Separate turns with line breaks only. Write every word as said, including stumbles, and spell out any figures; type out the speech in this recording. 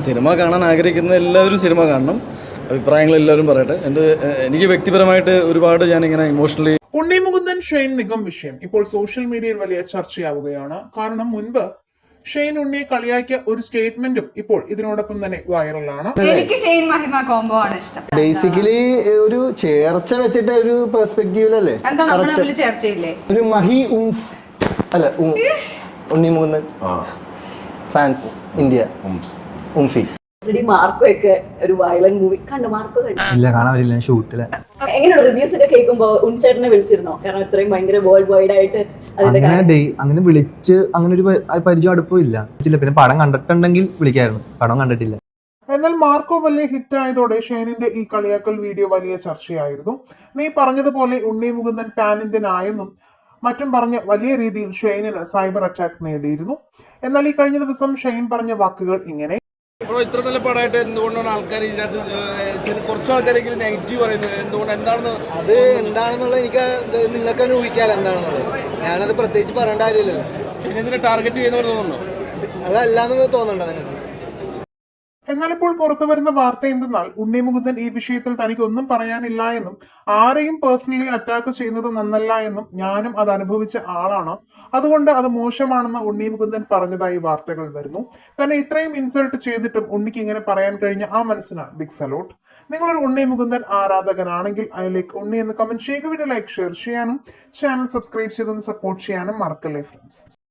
Cinema കാണാൻ ആഗ്രഹിക്കുന്ന എല്ലാവരും സിനിമ കാണണം. അഭിപ്രായങ്ങൾ എല്ലാവരും പറയട്ടെ. എൻ്റെ എനിക്ക് വ്യക്തിപരമായിട്ട് ഒരുപാട് ഞാനിങ്ങനെ ഇമോഷണലി.
ഉണ്ണി മുകുന്ദൻ ഷെയ്ൻ നിഗം വിഷയം ഇപ്പോൾ സോഷ്യൽ മീഡിയയിൽ വലിയ ചർച്ചയാവുകയാണ്. കാരണം മുൻപ് ഷെയ്ൻ ഉണ്ണിയെ കളിയാക്കിയ ഒരു സ്റ്റേറ്റ്മെന്റും ഇപ്പോൾ ഇതിനോടൊപ്പം തന്നെ വൈറലാണ്.
എനിക്ക് ഷെയ്ൻ മഹിമ കോംബോ ആണ് ഇഷ്ടം.
ബേസിക്കലി ഒരു ചേർച്ച വെച്ചിട്ട് ഒരു പെർസ്പെക്റ്റീവിലല്ലേ
എന്താ നമ്മൾ തമ്മിൽ ചേർച്ചയില്ലേ?
ഒരു മഹി ഉംഫ് അല്ല ഉണ്ണി മുകുന്ദൻ ഫാൻസ് ഇന്ത്യ ഉംഫി.
മാർക്കോ ഒക്കെ ഒരു വയലന്റ് മൂവി കണ്ടു. മാർക്കോ
ഇല്ല, കാണാൻ പറ്റില്ല, ഷൂട്ടില്.
എങ്ങനെയാണ് റിവ്യൂസ് ഒക്കെ കേൾക്കുമ്പോ ഉൺചേട്ടനെ വിളിച്ചിരുന്നോ? കാരണം ഇത്രയും ഭയങ്കര വേൾഡ് വൈഡ് ആയിട്ട്
അങ്ങനെ അങ്ങനെ വിളിച്ച് അങ്ങനെ ഒരു പരിചയം അടുപ്പം ഇല്ല. പിന്നെ പടം കണ്ടിട്ടുണ്ടെങ്കിൽ വിളിക്കായിരുന്നു, പടം കണ്ടിട്ടില്ല.
എന്നാൽ മാർക്കോ വലിയ ഹിറ്റ് ആയതോടെ ഷെയ്നിന്റെ ഈ കളിയാക്കൽ വീഡിയോ വലിയ ചർച്ചയായിരുന്നു. നീ പറഞ്ഞതുപോലെ ഉണ്ണി മുകുന്ദൻ പാൻ ഇന്ത്യൻ ആയെന്നും മറ്റും പറഞ്ഞ് വലിയ രീതിയിൽ ഷെയ്നിന് സൈബർ അറ്റാക്ക് നേടിയിരുന്നു. എന്നാൽ ഈ കഴിഞ്ഞ ദിവസം ഷെയ്ൻ പറഞ്ഞ വാക്കുകൾ ഇങ്ങനെ:
ഇത്ര നല്ല പടമായിട്ട് എന്തുകൊണ്ടാണ് ആൾക്കാർ ഇതിനകത്ത് കുറച്ച് ആൾക്കാരെങ്കിലും നെഗറ്റീവ് പറയുന്നത്? എന്തുകൊണ്ട്, എന്താണെന്ന്
അത് എന്താണെന്നുള്ളത് എനിക്ക് നിങ്ങൾക്ക് തന്നെ ഊഹിക്കാലോ എന്താണെന്നുള്ളത്. ഞാനത് പ്രത്യേകിച്ച് പറയേണ്ട കാര്യമില്ലല്ലോ.
ഇതിനെ ടാർഗറ്റ് ചെയ്യുന്നവർ തോന്നുന്നു.
അതല്ലാന്ന് തോന്നുന്നുണ്ടോ നിങ്ങൾക്ക്?
എന്നാൽ ഇപ്പോൾ പുറത്തു വരുന്ന വാർത്ത എന്തെന്നാൽ ഉണ്ണി മുകുന്ദൻ ഈ വിഷയത്തിൽ തനിക്ക് ഒന്നും പറയാനില്ല എന്നും ആരെയും പേഴ്സണലി അറ്റാക്ക് ചെയ്യുന്നത് നന്നല്ല എന്നും ഞാനും അത് അനുഭവിച്ച ആളാണ്, അതുകൊണ്ട് അത് മോശമാണെന്ന് ഉണ്ണി മുകുന്ദൻ പറഞ്ഞതായി വാർത്തകൾ വരുന്നു. തന്നെ ഇത്രയും ഇൻസൾട്ട് ചെയ്തിട്ടും ഉണ്ണിക്ക് ഇങ്ങനെ പറയാൻ കഴിഞ്ഞ ആ മനസ്സിന് ബിഗ് സലോട്ട്. നിങ്ങളൊരു ഉണ്ണി മുകുന്ദൻ ആരാധകനാണെങ്കിൽ അതിലേക്ക് ഉണ്ണി എന്ന് കമന്റ് ചെയ്യുക. വീഡിയോ ലൈക്ക് ഷെയർ ചെയ്യാനും ചാനൽ സബ്സ്ക്രൈബ് ചെയ്തൊന്ന് സപ്പോർട്ട് ചെയ്യാനും മറക്കല്ലേ ഫ്രണ്ട്സ്.